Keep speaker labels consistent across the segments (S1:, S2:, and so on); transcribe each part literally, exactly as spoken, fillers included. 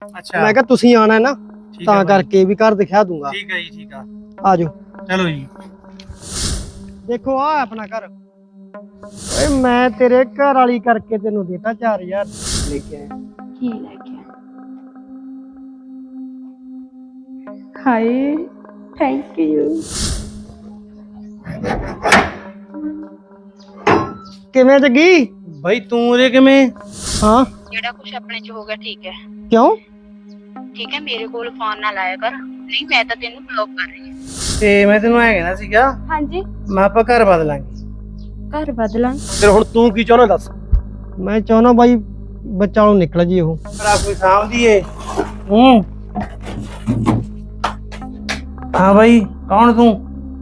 S1: ਅੱਛਾ
S2: ਮੈਂ ਕਿਹਾ ਤੁਸੀਂ ਆਣਾ ਹੈ ਨਾ ਤਾਂ ਕਰਕੇ ਵੀ ਘਰ ਦਿਖਾ ਦੂੰਗਾ।
S1: ਠੀਕ ਹੈ ਜੀ, ਠੀਕ ਆ,
S2: ਆ ਜਾਓ।
S1: ਚਲੋ ਜੀ।
S2: ਦੇਖੋ ਆ ਆਪਣਾ ਘਰ। ਓਏ ਮੈਂ ਤੇਰੇ ਘਰ ਵਾਲੀ ਕਰਕੇ ਤੈਨੂੰ ਦੇਤਾ ਚਾਰ ਹਜ਼ਾਰ ਲੈ ਕੇ ਆਇਆ।
S3: ਕੀ ਲੈ ਕੇ ਹਾਏ ਥੈਂਕ ਯੂ।
S2: ਕਿਵੇਂ ਜੱਗੀ?
S1: ਬਾਈ ਤੂੰ ਉਹਦੇ ਕਿਵੇਂ?
S2: ਹਾਂ
S4: ਜਿਹੜਾ ਕੁਛ ਆਪਣੇ ਚ ਹੋ ਗਿਆ ਠੀਕ ਹੈ।
S2: ਕਿਉਂ?
S4: ਠੀਕ ਹੈ, ਮੇਰੇ ਕੋਲ ਫੋਨ ਨਾ ਲਾਇਆ ਕਰ, ਨਹੀਂ ਮੈਂ ਤਾਂ ਤੈਨੂੰ ਬਲੌਕ ਕਰ ਰਹੀ ਹਾਂ।
S1: ਤੇ ਮੈਂ ਤੈਨੂੰ ਐ ਕਹਿਣਾ ਸੀਗਾ,
S3: ਹਾਂਜੀ
S1: ਮੈਂ ਆਪਾਂ ਘਰ ਬਦਲਾਂਗੇ।
S3: ਘਰ ਬਦਲਾਂ?
S1: ਫਿਰ ਹੁਣ ਤੂੰ ਕੀ ਚਾਹੁੰਦਾ ਦੱਸ?
S2: ਮੈਂ ਚਾਹੁੰਦਾ ਬਾਈ ਬੱਚਾ ਨੂੰ ਨਿਕਲ ਜੀ ਉਹ।
S1: ਭਰਾ ਕੋਈ ਸਾਂਭਦੀ ਏ। ਹੂੰ ਹਾਂ ਬਾਈ ਕੌਣ ਤੂੰ?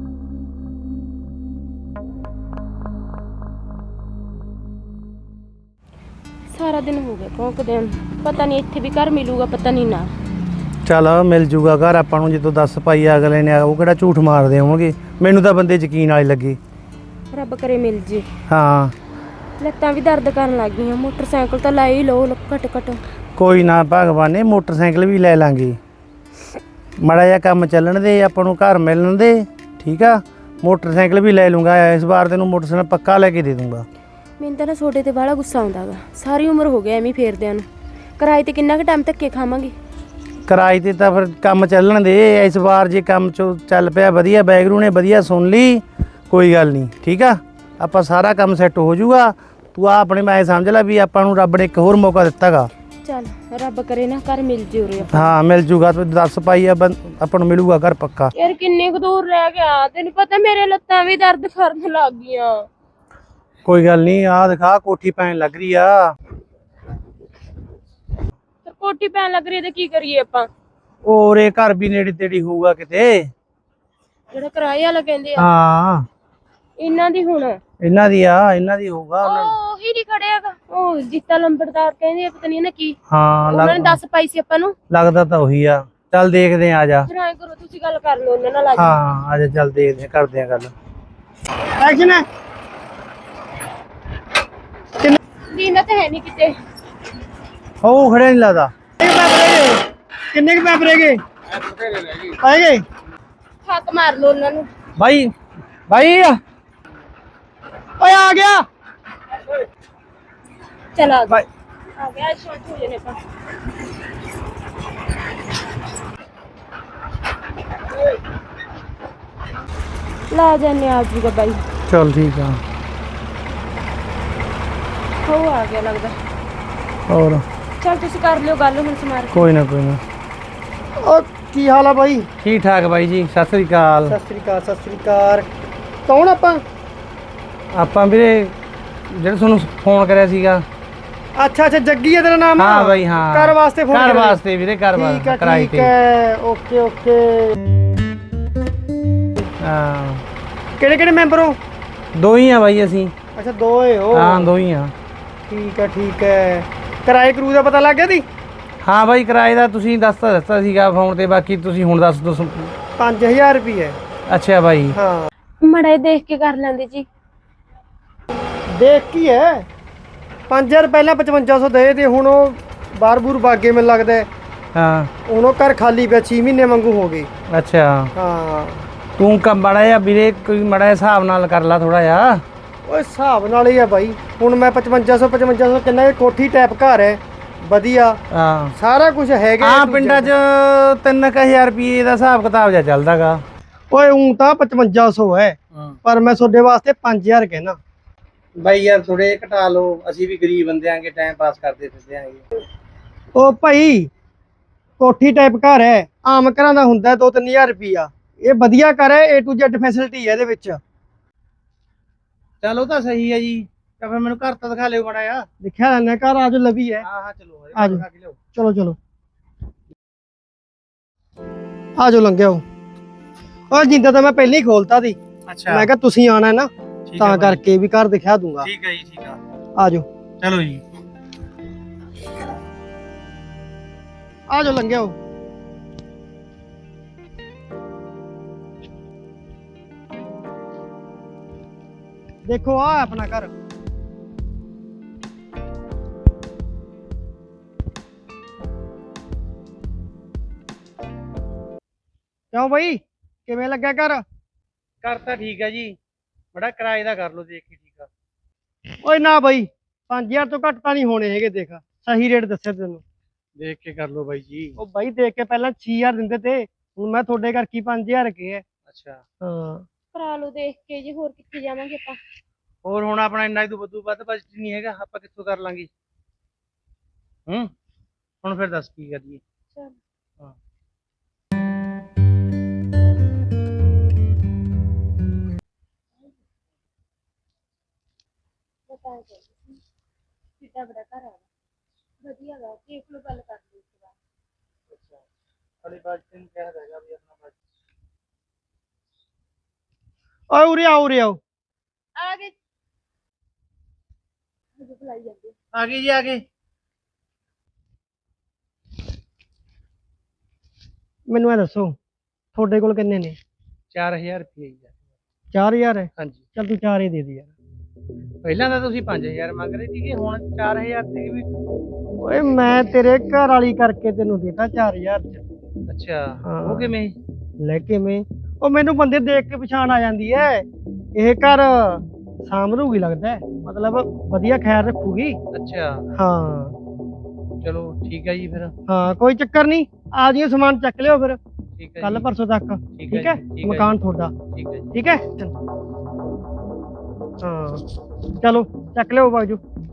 S3: ਸਾਰਾ ਦਿਨ ਹੋ ਗਿਆ ਭੌਂਕਦਿਆਂ ਨੂੰ, ਪਤਾ ਨਹੀਂ ਇੱਥੇ ਵੀ ਘਰ ਮਿਲੂਗਾ ਪਤਾ ਨਹੀਂ ਨਾ।
S1: ਚੱਲ ਮਿਲ ਜੂਗਾ ਘਰ ਆਪਾਂ ਨੂੰ, ਜਦੋਂ ਦਸ ਪਾਈ ਅਗਲੇ ਨੇ ਉਹ ਕਿਹੜਾ ਝੂਠ ਮਾਰਦੇ ਹੋਣਗੇ। ਮੈਨੂੰ ਤਾਂ ਬੰਦੇ ਯਕੀਨ ਵਾਲੇ ਲੱਗੇ।
S3: ਰੱਬ ਕਰੇ ਮਿਲ ਜੇ।
S1: ਹਾਂ
S3: ਲੱਤਾਂ ਵੀ ਦਰਦ ਕਰਨ ਲੱਗ ਗਈਆਂ, ਮੋਟਰਸਾਈਕਲ ਤਾਂ ਲੈ ਹੀ ਲਓ ਘੱਟ ਘੱਟ।
S1: ਕੋਈ ਨਾ ਭਗਵਾਨ ਨੇ ਮੋਟਰਸਾਈਕਲ ਵੀ ਲੈ ਲਾਂਗੇ, ਮਾੜਾ ਜਿਹਾ ਕੰਮ ਚੱਲਣ ਦੇ, ਆਪਾਂ ਨੂੰ ਘਰ ਮਿਲਣ ਦੇ, ਠੀਕ ਆ। ਮੋਟਰਸਾਈਕਲ ਵੀ ਲੈ ਲੂੰਗਾ ਇਸ ਵਾਰ, ਤੈਨੂੰ ਮੋਟਰਸਾਈਕਲ ਪੱਕਾ ਲੈ ਕੇ ਦੇ ਦੂੰਗਾ।
S3: ਮੈਨੂੰ ਤਾਂ ਨਾ ਛੋਟੇ ਤੇ ਬਾਹਲਾ ਗੁੱਸਾ ਆਉਂਦਾ ਗਾ, ਸਾਰੀ ਉਮਰ ਹੋ ਗਿਆ ਐਵੇਂ ਫੇਰਦਿਆਂ ਨੂੰ। ਕਿਰਾਏ ਤੇ ਕਿੰਨਾ ਕੁ ਟਾਈਮ ਧੱਕੇ ਖਾਵਾਂਗੇ?
S1: ਕਿਰਾਏ ਤੇ ਤਾਂ ਫਿਰ ਕੰਮ ਚੱਲਣ ਦੇ ਇਸ ਵਾਰ, ਜੇ ਕੰਮ ਚੋ ਚੱਲ ਪਿਆ ਵਧੀਆ, ਬੈਗਰੂ ਨੇ ਵਧੀਆ ਸੁਣ ਲਈ, ਕੋਈ ਗੱਲ ਨਹੀਂ, ਠੀਕ ਆ। ਆਪਾਂ ਸਾਰਾ ਕੰਮ ਸੈੱਟ ਹੋ ਜਾਊਗਾ। ਤੂੰ ਆ ਆਪਣੇ ਮੈਂ ਸਮਝ ਲੈ ਵੀ ਆਪਾਂ ਨੂੰ ਰੱਬ ਨੇ ਇੱਕ ਹੋਰ ਮੌਕਾ ਦਿੱਤਾਗਾ।
S3: ਚੱਲ ਰੱਬ ਕਰੇ ਨਾ ਘਰ ਮਿਲ ਜੇ ਉਰੇ ਆਪਾਂ।
S1: ਹਾਂ ਮਿਲ ਜੂਗਾ, ਤੂੰ ਦੱਸ ਪਾਈ ਆ ਆਪਾਂ ਨੂੰ ਮਿਲੂਗਾ ਘਰ ਪੱਕਾ।
S3: ਯਾਰ ਕਿੰਨੇ ਕੁ ਦੂਰ ਰਹਿ ਗਿਆ, ਤੈਨੂੰ ਪਤਾ ਮੇਰੇ ਲੱਤਾਂ ਵੀ ਦਰਦ ਕਰਨ ਲੱਗ ਗਈਆਂ।
S1: ਕੋਈ ਗੱਲ ਨਹੀਂ, ਆ ਦਿਖਾ ਕੋਠੀ ਪੈਣ ਲੱਗ ਰਹੀ ਆ।
S3: ਤੇ ਕੋਠੀ ਪੈਣ ਲੱਗ ਰਹੀ ਤੇ ਕੀ ਕਰੀਏ ਆਪਾਂ?
S1: ਔਰੇ ਘਰ ਵੀ ਨੇੜੇ ਤੇੜੀ ਹੋਊਗਾ ਕਿਤੇ।
S3: ਜਿਹੜਾ ਕਿਰਾਏ ਵਾਲਾ ਕਹਿੰਦੇ ਆ
S1: ਹਾਂ
S3: ਇਹਨਾਂ ਦੀ ਹੁਣ
S1: ਇਹਨਾਂ ਦੀ ਆ, ਇਹਨਾਂ ਦੀ ਹੋਊਗਾ।
S3: ਉਹ ਹੀ ਨਹੀਂ ਖੜਿਆਗਾ, ਉਹ ਜੀਤਾ ਲੰਬੜਦਾਰ ਕਹਿੰਦੇ ਆ, ਪਤਾ ਨਹੀਂ ਨਾ ਕੀ।
S1: ਹਾਂ
S3: ਉਹਨਾਂ ਨੇ ਦੱਸ ਪਾਈ ਸੀ ਆਪਾਂ ਨੂੰ,
S1: ਲੱਗਦਾ ਤਾਂ ਉਹੀ ਆ। ਚੱਲ ਦੇਖਦੇ ਆ, ਆ ਜਾ।
S3: ਫਿਰ ਐਂ ਕਰੋ ਤੁਸੀਂ ਗੱਲ ਕਰ ਲਓ ਉਹਨਾਂ ਨਾਲ। ਆ
S1: ਹਾਂ ਆ ਜਾ, ਚੱਲ ਦੇਖਦੇ ਆ, ਕਰਦੇ ਆ ਗੱਲ।
S2: ਐਕਸ਼ਨ ਹੈ।
S3: ਦੀਨਾ ਤਾਂ ਹੈ ਨਹੀਂ ਕਿਤੇ।
S1: ਉਹ ਖੜਿਆ ਨਹੀਂ ਲੱਗਦਾ।
S2: ਕਿੰਨੇ ਕੁ ਪੈਪ ਰਹਿ ਗਏ? ਆਏ ਗਏ?
S3: ਹੱਕ ਮਾਰ ਲਓ ਉਹਨਾਂ ਨੂੰ।
S1: ਭਾਈ ਭਾਈ
S2: ਓਏ ਆ ਗਿਆ।
S3: ਚਲ ਆ
S1: ਭਾਈ
S3: ਆ ਗਿਆ, ਸ਼ਾਂਤ ਹੋ ਜਾਨੇ ਆਪਾਂ। ਲਾ ਜਾਨੇ ਆ ਜੂਗਾ ਬਾਈ।
S1: ਚੱਲ ਠੀਕ ਆ।
S3: ਹੋ ਆ ਗਿਆ ਲੱਗਦਾ।
S1: ਹੋਰ
S3: ਚਲ ਤੁਸੀਂ ਕਰ ਲਿਓ ਗੱਲ ਹੁਣ ਸਮਾਰ ਕੇ।
S1: ਕੋਈ ਨਾ ਕੋਈ ਨਾ।
S2: ਓ ਕੀ ਹਾਲ ਆ ਬਾਈ?
S1: ਠੀਕ ਠਾਕ ਬਾਈ ਜੀ, ਸਤਿ ਸ੍ਰੀ ਅਕਾਲ।
S2: ਸਤਿ ਸ੍ਰੀ ਅਕਾਲ। ਸਤਿ ਸ੍ਰੀ ਅਕਾਲ। ਕੌਣ ਆਪਾਂ?
S1: ਆਪਾਂ ਵੀਰੇ ਜਿਹੜਾ ਤੁਹਾਨੂੰ ਫੋਨ ਕਰਿਆ ਸੀਗਾ।
S2: ਅੱਛਾ ਅੱਛਾ ਜੱਗੀ ਹੈ ਤੇਰਾ ਨਾਮ?
S1: ਹਾਂ ਬਾਈ ਹਾਂ।
S2: ਘਰ ਵਾਸਤੇ ਫੋਨ
S1: ਘਰ
S2: ਕਰਿਆ?
S1: ਵਾਸਤੇ ਵੀਰੇ, ਘਰ
S2: ਠੀਕ
S1: ਵਾਸਤੇ
S2: ਹੈ
S1: ਕਿਰਾਏ
S2: ਠੀਕ
S1: ਤੇ।
S2: ਹੈ। Okay okay.
S1: ਹਾਂ
S2: ਕਿਹੜੇ ਕਿਹੜੇ ਮੈਂਬਰ ਹੋ?
S1: ਦੋ ਹੀ ਆ ਬਾਈ ਅਸੀਂ।
S2: ਅੱਛਾ ਦੋ ਏ ਹੋ।
S1: ਹਾਂ ਦੋ ਹੀ ਆ।
S2: ਠੀਕ ਹੈ ਠੀਕ ਹੈ। ਕਿਰਾਏ ਕਰੂ ਦਾ ਪਤਾ ਲੱਗ ਗਿਆ ਦੀ?
S1: ਹਾਂ ਬਾਈ ਕਿਰਾਏ ਦਾ ਤੁਸੀਂ ਦੱਸਤਾ ਦੱਸਤਾ ਸੀਗਾ ਫੋਨ ਤੇ, ਬਾਕੀ ਤੁਸੀਂ ਹੁਣ ਦੱਸ ਦੋ।
S2: ਪੰਜ ਹਜ਼ਾਰ ਰੁਪਏ।
S1: ਅੱਛਾ ਬਾਈ।
S2: ਹਾਂ
S3: ਮੜਾ ਦੇਖ ਕੇ ਕਰ ਲੈਂਦੇ ਜੀ।
S2: ਦੇਖ ਕੀ ਹੈ, ਪੰਜ ਹਜ਼ਾਰ ਪਹਿਲਾਂ ਪਚਵੰਜਾ ਸੌ ਦੇ ਤੇ ਹੁਣ ਉਹ ਬਾਰ ਬੂਰ ਬਾਗੇ ਮੈਨੂੰ ਲੱਗਦਾ ਹੈ।
S1: ਹਾਂ
S2: ਹੁਣ ਉਹ ਘਰ ਖਾਲੀ ਪਿਆ, ਛੇ ਮਹੀਨੇ ਵਾਂਗੂ ਹੋ ਗਏ।
S1: ਅੱਛਾ
S2: ਹਾਂ
S1: ਤੂੰ ਕੰਮ ਮਾੜਾ ਜਿਹਾ ਵੀਰੇ, ਕੋਈ ਮਾੜਾ ਜਿਹਾ ਹਿਸਾਬ ਨਾਲ ਕਰ ਲਾ ਥੋੜਾ ਜਿਹਾ।
S2: ਉਹ ਹਿਸਾਬ ਨਾਲ ਹੀ ਆ ਬਾਈ। ਹੁਣ ਮੈਂ ਪਚਵੰਜਾ ਸੌ ਪਚਵੰਜਾ ਸੌ ਕਿੰਨਾ ਇਹ ਕੋਠੀ ਟਾਈਪ ਘਰ ਹੈ ਵਧੀਆ,
S1: ਹਾਂ
S2: ਸਾਰਾ ਕੁਝ ਹੈਗਾ।
S1: ਹਾਂ ਪਿੰਡਾਂ 'ਚ ਤਿੰਨ ਕੁ ਹਜ਼ਾਰ ਰੁਪਏ ਦਾ ਹਿਸਾਬ ਕਿਤਾਬ ਜਿਹਾ ਚੱਲਦਾਗਾ।
S2: ਓਏ ਉਂ ਤਾਂ ਪਚਵੰਜਾ ਸੌ ਹੈ, ਪਰ ਮੈਂ ਤੁਹਾਡੇ ਵਾਸਤੇ ਪੰਜ ਹਜ਼ਾਰ ਕਹਿਣਾ।
S1: ਬਾਈ ਯਾਰ ਥੋੜੇ ਘਟਾ ਲਓ, ਅਸੀਂ ਵੀ ਗਰੀਬ ਬੰਦੇ ਆਂਗੇ, ਟਾਈਮ ਪਾਸ ਕਰਦੇ ਫਿਰਦੇ ਆਂਗੇ।
S2: ਉਹ ਭਾਈ ਕੋਠੀ ਟਾਈਪ ਘਰ ਹੈ, ਆਮ ਘਰਾਂ ਦਾ ਹੁੰਦਾ ਦੋ ਤਿੰਨ ਹਜ਼ਾਰ ਰੁਪਈਆ। ਇਹ ਵਧੀਆ ਘਰ ਹੈ, ਏ ਟੂ ਜ਼ੈਡ ਫੈਸਿਲਿਟੀ ਹੈ ਇਹਦੇ ਵਿੱਚ।
S1: ਚਲੋ ਤਾਂ ਸਹੀ ਹੈ ਜੀ, ਤਾਂ ਫਿਰ ਮੈਨੂੰ ਘਰ ਤਾਂ ਦਿਖਾ ਲਿਓ ਮਾੜਾ ਜਿਹਾ।
S2: ਦਿਖਿਆ ਲੈਣਾ ਘਰ, ਆਜ ਲਵੀ ਹੈ।
S1: ਹਾਂ ਹਾਂ ਚਲੋ
S2: ਆਜੋ ਚਲੋ ਚਲੋ ਆਜੋ ਲੰਘਿਓ। ਉਹ ਜਿੰਦਾ ਤਾਂ ਮੈਂ ਪਹਿਲਾਂ ਹੀ ਖੋਲਤਾ ਸੀ।
S1: ਅੱਛਾ
S2: ਮੈਂ ਕਿਹਾ ਤੁਸੀਂ ਆਣਾ ਹੈ ਨਾ ਤਾਂ ਕਰਕੇ ਵੀ ਘਰ ਦਿਖਾ ਦੂੰਗਾ।
S1: ਠੀਕ ਹੈ ਜੀ ਠੀਕ ਆ,
S2: ਆਜੋ
S1: ਚਲੋ ਜੀ।
S2: ਆਜੋ ਲੰਘਿਓ। ਦੇਖੋ ਆ ਆਪਣਾ ਘਰ। ਕਿਉਂ ਬਾਈ ਕਿਵੇਂ ਲੱਗਿਆ ਘਰ?
S1: ਕਰ ਤਾਂ ਠੀਕ ਹੈ ਜੀ, ਬੜਾ ਕਿਰਾਏ ਦਾ ਕਰ ਲਓ ਦੇਖ ਕੇ, ਠੀਕ ਆ।
S2: ਓਏ ਨਾ ਬਾਈ ਪੰਜ ਹਜ਼ਾਰ ਤੋਂ ਘੱਟ ਤਾਂ ਨਹੀਂ ਹੋਣੇ ਹੈਗੇ, ਦੇਖ ਸਹੀ ਰੇਟ ਦੱਸਿਆ ਤੈਨੂੰ।
S1: ਦੇਖ ਕੇ ਕਰ ਲਓ ਬਾਈ ਜੀ।
S2: ਉਹ ਬਾਈ ਦੇਖ ਕੇ ਪਹਿਲਾਂ ਛੇ ਹਜ਼ਾਰ ਦਿੰਦੇ ਤੇ, ਹੁਣ ਮੈਂ ਤੁਹਾਡੇ ਕਰਕੇ ਪੰਜ ਹਜ਼ਾਰ ਕੇ ਹੈ।
S1: ਅੱਛਾ,
S2: ਹਾਂ
S3: ਕਰਾ ਲਓ ਦੇਖ ਕੇ ਜੀ, ਹੋਰ ਕਿੱਥੇ ਜਾਵਾਂਗੇ ਆਪਾਂ।
S1: ਹੋਰ ਹੁਣ ਆਪਣਾ ਇੰਨਾ ਹੀ ਤੋਂ ਵੱਧੂ ਵੱਧ ਬਜਟ ਨਹੀਂ ਹੈਗਾ, ਆਪਾਂ ਕਿੱਥੋਂ ਕਰ ਲਾਂਗੇ। ਹੂੰ ਹੁਣ ਫਿਰ ਦੱਸ ਕੀ ਕਰੀਏ।
S3: ਚਲ
S1: ਹਾਂ
S3: ਬਤਾ ਦੇ ਕਿੱਡਾ ਬੜਾ ਘਰ ਆ, ਵਧੀਆ ਗਾ, ਦੇਖ ਲਓ ਗੱਲ ਕਰ ਲਓ ਇਸ ਵਾਰ।
S1: ਅੱਛਾ, ਅਲੀ ਬਜਟ ਨਹੀਂ ਕਹਿ ਰਹੇਗਾ ਵੀ ਆਪਣਾ ਬਜਟ।
S2: ਓਏ ਉਰੇ ਆਓ ਉਰੇ ਆਓ।
S3: ਆ ਗਏ ਮੁझे ਬੁਲਾਈ ਜਾਂਦੇ।
S1: ਆ ਗਏ ਜੀ, ਆ ਗਏ।
S2: ਮੈਨੂੰ ਇਹ ਦੱਸੋ ਤੁਹਾਡੇ ਕੋਲ ਕਿੰਨੇ ਨੇ?
S1: ਚਾਰ ਹਜ਼ਾਰ ਰੁਪਏ ਜੀ।
S2: ਚਾਰ ਹਜ਼ਾਰ ਹੈ?
S1: ਹਾਂਜੀ,
S2: ਚੱਲ ਤੂੰ ਚਾਰ ਹੀ ਦੇ ਦੇ ਯਾਰ।
S1: ਪਹਿਲਾਂ ਤਾਂ ਤੁਸੀਂ ਪੰਜ ਹਜ਼ਾਰ ਮੰਗ ਰਹੇ ਸੀਗੇ, ਹੁਣ ਚਾਰ ਹਜ਼ਾਰ ਤੇ ਵੀ।
S2: ਓਏ ਮੈਂ ਤੇਰੇ ਘਰ ਵਾਲੀ ਕਰਕੇ ਤੈਨੂੰ ਦੇਤਾ ਚਾਰ ਹਜ਼ਾਰ ਚ।
S1: ਅੱਛਾ,
S2: ਹਾਂ।
S1: ਉਹ ਕਿਵੇਂ?
S2: ਲੈ ਕਿਵੇਂ? ਉਹ ਮੈਨੂੰ ਬੰਦੇ ਦੇਖ ਕੇ ਪਛਾਣ ਆ ਜਾਂਦੀ ਐ, ਇਹ ਘਰ ਸਾਂਭਲੂਗੀ ਲੱਗਦਾ ਹੈ, ਮਤਲਬ ਵਧੀਆ ਖਿਆਲ ਰੱਖੂਗੀ।
S1: ਅੱਛਾ,
S2: ਹਾਂ
S1: ਚਲੋ ਠੀਕ ਹੈ ਜੀ ਫਿਰ।
S2: ਹਾਂ ਕੋਈ ਚੱਕਰ ਨਹੀਂ, ਆ ਜਿਓ ਸਮਾਨ ਚੱਕ ਲਿਓ ਫਿਰ
S1: ਠੀਕ ਹੈ
S2: ਕੱਲ
S1: ਜੀ,
S2: ਪਰਸੋਂ ਤੱਕ।
S1: ਠੀਕ
S2: ਠੀਕ
S1: ਹੈ
S2: ਹੈ
S1: ਜੀ, ਠੀਕ ਹੈ
S2: ਮਕਾਨ
S1: ਜੀ,
S2: ਤੁਹਾਡਾ।
S1: ਠੀਕ ਹੈ ਜੀ।
S2: ਠੀਕ ਹੈ ਹਾਂ ਚਲੋ ਚੱਕ ਲਿਓ ਬਾਜੂ।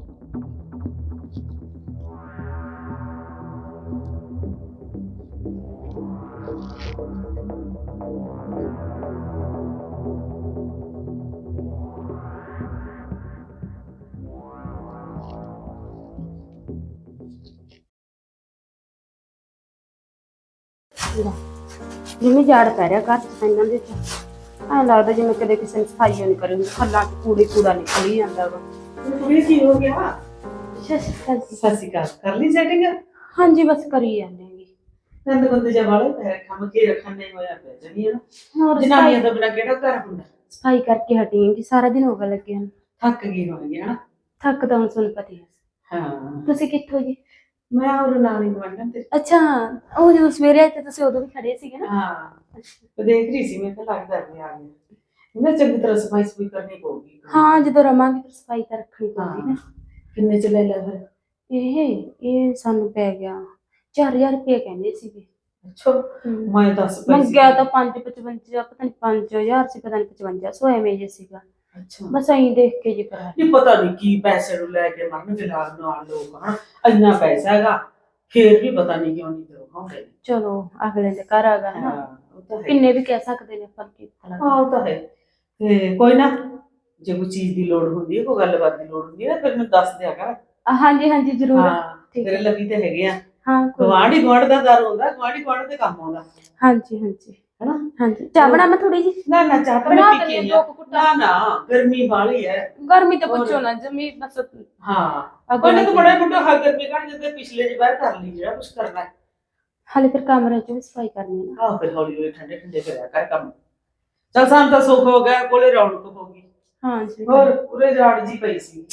S3: ਜਿਵੇਂ ਝਾੜ ਪੈ ਰਿਹਾ ਘਰ ਚ ਤਾਂ ਇਹਨਾਂ ਦੇ ਐਂ ਲੱਗਦਾ ਜਿਵੇਂ ਕਦੇ ਕਿਸੇ ਨੇ ਸਫਾਈ ਨਹੀਂ ਕਰੀ ਹੁੰਦੀ, ਖੱਲਾਂ ਚ ਕੂੜੇ ਕੂੜਾ ਨਿਕਲੀ ਜਾਂਦਾ ਵਾ।
S5: ਕੁੜੀ ਕੀ ਹੋ ਗਿਆ?
S3: ਸਤਿ ਸ਼੍ਰੀ ਅਕਾਲ ਜੀ।
S5: ਸਤਿ ਸ਼੍ਰੀ ਅਕਾਲ। ਕਰ ਲਈ ਸੈਟਿੰਗ?
S3: ਹਾਂਜੀ ਬਸ ਕਰੀ ਜਾਂਦੇ ਹੈਗੇ।
S5: ਨੰਦ ਬੰਦੇ ਜਾ ਵਾਲੇ ਪੈਰ ਖਮ ਕੇ ਰੱਖਣ ਨਹੀਂ ਹੋਇਆ ਪਿਆ ਜਣੀ ਨਾ।
S3: ਹੋਰ
S5: ਜਨਾਨੀਆਂ
S3: ਸਫਾਈ
S5: ਤੋਂ ਬਿਨਾਂ ਕਿਹੜਾ ਘਰ ਹੁੰਦਾ?
S3: ਸਫਾਈ ਕਰਕੇ ਹਟੀ ਹਾਂ ਜੀ, ਸਾਰਾ ਦਿਨ ਹੋ ਗਿਆ ਲੱਗੇ ਹਨ।
S5: ਥੱਕ ਗਈ ਹੋਣੀ ਹਨਾ?
S3: ਥੱਕ ਤਾਂ ਹੁਣ ਤੁਹਾਨੂੰ ਪਤਾ ਹੀ ਹੈ।
S5: ਹਾਂ
S3: ਤੁਸੀਂ ਕਿੱਥੋਂ ਜੀ?
S5: ਮੈਂ ਹੋਰ ਨਾਨੀ ਗਵਾਂਢਣ ਤੇ।
S3: ਅੱਛਾ, ਉਹ ਜਦੋਂ ਸਵੇਰੇ ਆਏ ਤੇ ਤੁਸੀਂ ਉਦੋਂ ਵੀ ਖੜੇ ਸੀਗੇ ਨਾ।
S5: ਹਾਂ ਤੇ ਦੇਖ ਰਹੀ ਸੀ, ਮੈਂ ਕਿਹਾ ਲੱਗਦਾ ਵੀ ਆ ਗਿਆ। ਇਹਨਾਂ ਚੰਗੀ ਤਰ੍ਹਾਂ ਸਫਾਈ ਸਫਾਈ ਕਰਨੀ ਪਊਗੀ।
S3: ਹਾਂ ਜਦੋਂ ਰਵਾਂਗੇ ਫਿਰ ਸਫਾਈ ਤਾਂ ਰੱਖਣੀ ਪਊਗੀ
S5: ਹਾਂ
S3: ਨਾ।
S5: ਕਿੰਨੇ ਚ ਲੈ ਲਿਆ ਫਿਰ?
S3: ਇਹ ਇਹ ਸਾਨੂੰ ਪੈ ਗਿਆ ਚਾਰ ਹਜ਼ਾਰ ਰੁਪਏ ਕਹਿੰਦੇ ਸੀਗੇ।
S5: ਅੱਛਾ
S3: ਹਮ।
S5: ਮੈਂ ਦੱਸ ਪੈਸੇ
S3: ਮੰਗਿਆ ਤਾਂ ਪੰਜ ਪਚਵੰਜਾ, ਪਤਾ ਨਹੀਂ ਪੰਜ ਹਜ਼ਾਰ ਸੀ, ਪਤਾ ਨਹੀਂ ਪਚਵੰਜਾ ਸੌ ਐਵੇਂ ਜੇ ਸੀਗਾ।
S5: ਅੱਛਾ
S3: ਬਸ ਐਂ ਦੇਖ ਕੇ ਜੀ ਕਰਾ
S5: ਨਹੀਂ ਪਤਾ ਨਹੀਂ ਕੀ ਪੈਸੇ ਨੂੰ ਲੈ ਕੇ ਮਰਨ ਫਿਲਹਾਲ ਨਾਲ ਲੋਕ ਹਨਾ। ਇੰਨਾ ਪੈਸਾ ਹੈਗਾ ਫੇਰ ਵੀ ਪਤਾ ਨਹੀਂ ਕਿਉਂ ਨਹੀਂ ਦਿਖਾਉਂਦੇ ਨੇ।
S3: ਚਲੋ ਅਗਲੇ ਦੇ ਘਰ ਆ ਗਾ ਨਾ,
S5: ਹਾਂ ਉਹ ਤਾਂ ਹੈ।
S3: ਕਿੰਨੇ ਵੀ ਕਹਿ ਸਕਦੇ ਨੇ ਪਰ ਕੀ ਪਤਾ ਲੱਗਦਾ।
S5: ਹਾਂ ਉਹ ਤਾਂ ਹੈ। ਤੇ ਕੋਈ ਨਾ ਜੇ ਕੋਈ ਚੀਜ਼ ਦੀ ਲੋੜ ਹੁੰਦੀ ਹੈ, ਕੋਈ ਗੱਲਬਾਤ ਦੀ ਲੋੜ ਹੁੰਦੀ ਹੈ ਨਾ, ਫਿਰ ਮੈਨੂੰ ਦੱਸ ਦਿਆ ਕਰ।
S3: ਅ, ਹਾਂਜੀ ਹਾਂਜੀ ਜ਼ਰੂਰ।
S5: ਹਾਂ
S3: ਠੀਕ
S5: ਤੇਰੇ
S3: ਹੈ।
S5: ਲੱਗੀ ਤੇ ਹੈਗੇ ਆ।
S3: ਹਾਂ ਕੋਈ-
S5: ਗਵਾਂਢੀ ਗਵਾਂਢ ਦਾ ਦਰ ਹੁੰਦਾ, ਗਵਾਂਢੀ ਗਵਾਂਢ ਦੇ ਕੰਮ ਆਉਂਦਾ
S3: ਹਾਂਜੀ ਹਾਂਜੀ
S5: ਹੈਨਾ।
S3: ਹਾਂਜੀ ਚਾਹ ਬਣਾ ਮੈਂ ਥੋੜੀ ਜੀ
S5: ਨਾ ਨਾ ਚਾਹ ਤਾਂ
S3: ਬਣਾ
S5: ਮੈਂ ਪੀ
S3: ਦਿੰਦੀ
S5: ਕੇ
S3: ਹਾਂ,
S5: ਆਈ
S3: ਦੋ ਕੁ
S5: ਆ।
S3: ਘੁੱਟਾਂ।
S5: ਨਾ ਨਾ ਗਰਮੀ ਬਾਹਲੀ ਹੈ।
S3: ਗਰਮੀ ਤਾਂ
S5: ਹੋਰ।
S3: ਪੁੱਛੋ ਨਾ ਜਮੀ ਬਸ।
S5: ਹਾਂ ਕੋਈ ਨਾ ਤੂੰ ਬੜਾ ਮੋਟਾ ਹਾ ਗਰਮੀ ਕੱਢ ਜਿੱਦੇ ਪਿਛਲੇ ਦੀ ਬਾਹਰ ਕਰ ਲਈ ਜਿਹੜਾ ਕੁਝ ਕਰਨਾ ਹੈ।
S3: ਹਾਲੇ ਫਿਰ ਕਮਰੇ ਚ ਵੀ ਸਫਾਈ ਕਰਨੀ ਹੈ ਨਾ।
S5: ਆਹ ਫਿਰ ਹੌਲੀ ਹੌਲੀ ਠੰਡੇ ਠੰਡੇ ਕਰਿਆ ਕਰ ਕੰਮ। ਚੱਲ ਸਾਨੂੰ ਤਾਂ ਸੁੱਖ ਹੋ ਗਿਆ, ਕੋਲੇ ਰੌਣਕ ਹੋ ਗਈ।
S3: ਹਾਂਜੀ
S5: ਹੋਰ ਉਰੇ ਜਾੜ ਜੀ ਪਈ ਸੀ।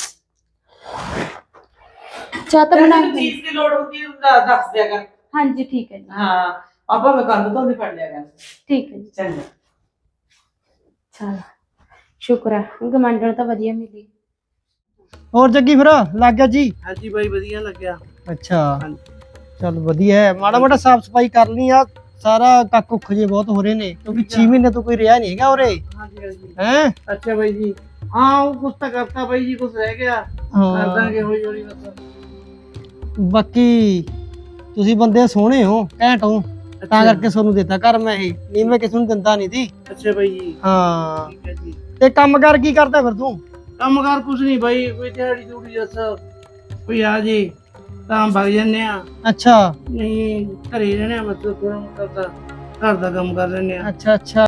S3: ਚਾਹ ਤਾਂ
S5: ਜੇ
S3: ਬਣਾ
S5: ਤੈਨੂੰ ਚੀਜ਼ ਦੀ ਲੋੜ ਹੁੰਦੀ ਹੈ ਤਾਂ ਦੱਸ ਦਿਆ ਕਰ।
S3: ਹਾਂਜੀ ਠੀਕ ਹੈ ਜੀ।
S5: ਹਾਂ ਆਪਾਂ ਮੈਂ ਕੱਲ ਤੋਂ ਵੀ ਫੜ ਲਿਆ ਕਰ।
S3: ਠੀਕ ਹੈ ਜੀ।
S5: ਚੰਗਾ
S3: ਚਲ ਸ਼ੁਕਰ ਹੈ ਗਮੰਡਣ ਤਾਂ ਵਧੀਆ ਮਿਲੀ।
S2: ਹੋਰ ਜੱਗੀ ਫਿਰ ਲੱਗ ਗਿਆ ਜੀ?
S1: ਹਾਂਜੀ ਬਾਈ ਵਧੀਆ ਲੱਗਿਆ।
S2: ਅੱਛਾ
S1: ਹਾਂਜੀ।
S2: ਚੱਲ ਵਧੀਆ ਹੈ, ਮਾੜਾ ਮੋਟਾ ਸਾਫ ਸਫਾਈ ਕਰ ਲਈ ਆ। ਸਾਰਾ ਕੱਕ ਉੱਖ ਜੇ ਬਹੁਤ ਹੋ ਰਹੇ ਨੇ ਕਿਉਂਕਿ ਛੇ ਮਹੀਨੇ ਤੋਂ ਕੋਈ ਰਿਹਾ ਨਹੀਂ ਹੈਗਾ ਉਰੇ।
S1: ਹਾਂਜੀ ਹਾਂਜੀ।
S2: ਹੈ
S1: ਅੱਛਾ ਬਾਈ ਜੀ, ਹਾਂ ਉਹ ਕੁਛ ਤਾਂ ਕਰਤਾ ਬਾਈ ਜੀ, ਕੁਛ ਰਹਿ ਗਿਆ ਕਰ ਦਾਂਗੇ ਹੌਲੀ ਹੌਲੀ ਬਸ।
S2: ਬਾਕੀ ਤੁਸੀਂ ਬੰਦੇ ਸੋਹਣੇ ਹੋ, ਘੈਂਟ ਹੋ, ਤਾਂ ਕਰਕੇ ਤੁਹਾਨੂੰ ਦਿੱਤਾ ਘਰ ਮੈਂ ਇਹ, ਨਹੀਂ ਮੈਂ ਕਿਸੇ ਨੂੰ ਦਿੰਦਾ ਨਹੀਂ ਸੀ।
S1: ਅੱਛਾ ਬਾਈ ਜੀ,
S2: ਹਾਂ
S1: ਠੀਕ ਹੈ ਜੀ।
S2: ਤੇ ਕੰਮ ਕਰ ਕੀ ਕਰਦਾ ਫਿਰ ਤੂੰ?
S1: ਕੰਮ ਕਾਰ ਕੁਛ ਨਹੀਂ ਬਾਈ, ਕੋਈ ਦਿਹਾੜੀ ਦੂੜੀ ਦੱਸ ਕੋਈ ਆ ਜੇ ਤਾਂ ਵਗ ਜਾਂਦੇ ਆ,
S2: ਅੱਛਾ
S1: ਨਹੀਂ ਘਰੇ ਰਹਿਣੇ ਆ, ਮਤਲਬ ਥੋੜਾ ਮੋਟਾ ਤਾਂ ਘਰ ਦਾ ਕੰਮ ਕਰ ਲੈਂਦੇ ਆ।
S2: ਅੱਛਾ ਅੱਛਾ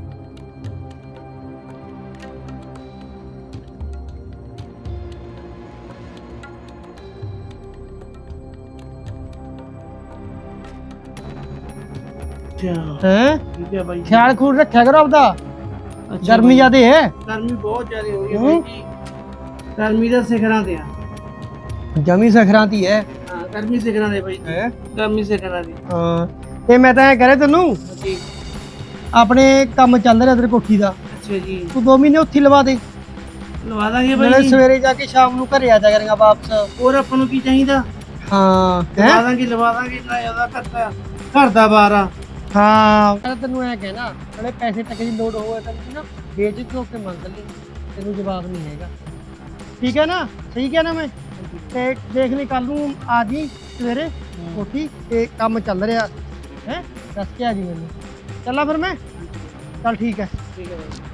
S1: ਅੱਛਾ
S2: ਹੈ
S1: ਠੀਕ ਹੈ ਬਾਈ ਜੀ।
S2: ਖਿਆਲ ਖੂਲ ਰੱਖਿਆ ਕਰੋ ਆਪਦਾ,
S1: ਅੱਛਾ
S2: ਗਰਮੀ
S1: ਬਾਈ।
S2: ਜ਼ਿਆਦੇ ਹੈ।
S1: ਗਰਮੀ ਬਹੁਤ ਜ਼ਿਆਦਾ ਹੋ ਰਹੀ ਹੈ ਬਾਈ ਜੀ, ਗਰਮੀ ਦਾ ਸਿਖਰਾਂ ਤੇ ਆ।
S2: ਜਮੀ ਸਖਰਾਂਤੀ ਹੈ।
S1: ਹਾਂ ਗਰਮੀ ਸਿਖਰਾਂ ਦੇ ਬਾਈ ਜੀ,
S2: ਹੈ
S1: ਗਰਮੀ ਸਿਖਰਾਂ ਦੀ।
S2: ਹਾਂ ਤੇ ਮੈਂ ਤਾਂ ਐ ਕਰੇ ਤੈਨੂੰ
S1: ਜੀ
S2: ਆਪਣੇ ਕੰਮ ਚੱਲ ਰਿਹਾ ਤੇਰੇ ਕੋਠੀ ਦਾ,
S1: ਅੱਛਾ ਜੀ,
S2: ਤੂੰ ਦੋ ਮਹੀਨੇ ਉੱਥੇ ਹੀ ਲਵਾ ਦੇ।
S1: ਲਵਾ ਦਾਂਗੇ
S2: ਨਾਲੇ
S1: ਬਾਈ ਜੀ।
S2: ਸਵੇਰੇ ਜਾ ਕੇ ਸ਼ਾਮ ਨੂੰ ਘਰੇ ਆ ਜਾ ਕਰਾਂਗਾ ਵਾਪਸ।
S1: ਹੋਰ ਆਪਾਂ ਨੂੰ ਕੀ ਚਾਹੀਦਾ?
S2: ਹਾਂ
S1: ਲਵਾ
S2: ਹੈਂ?
S1: ਦਾਂਗੇ ਲਵਾ ਦਾਂਗੇ ਨਾ ਜ਼ਿਆਦਾ ਕਰਤਾ ਘਰ ਦਾ ਬਾਰ ਆ।
S2: ਹਾਂ ਮੈਂ ਤੈਨੂੰ ਐ ਕਹਿਣਾ, ਨਾਲੇ ਪੈਸੇ ਤੱਕ ਦੀ ਲੋੜ ਹੋਵੇ ਤੈਨੂੰ ਨਾ ਬੇਝਿਜਕ ਹੋ ਕੇ ਮੰਗ ਲਈ, ਤੈਨੂੰ ਜਵਾਬ ਨਹੀਂ ਹੈਗਾ। ਠੀਕ ਹੈ ਨਾ? ਸਹੀ ਕਿਹਾ ਨਾ ਮੈਂ? ਤੇ ਦੇਖ ਲਈ ਕੱਲ ਨੂੰ ਆ ਜੀ ਸਵੇਰੇ ਕੋਠੀ ਤੇ ਕੰਮ ਚੱਲ ਰਿਹਾ ਹੈ, ਦੱਸ ਕੇ ਆ ਜੀ ਮੈਨੂੰ। ਚੱਲਾਂ ਫਿਰ ਮੈਂ? ਚੱਲ ਠੀਕ ਹੈ।
S1: ਠੀਕ ਹੈ ਬਾਈ।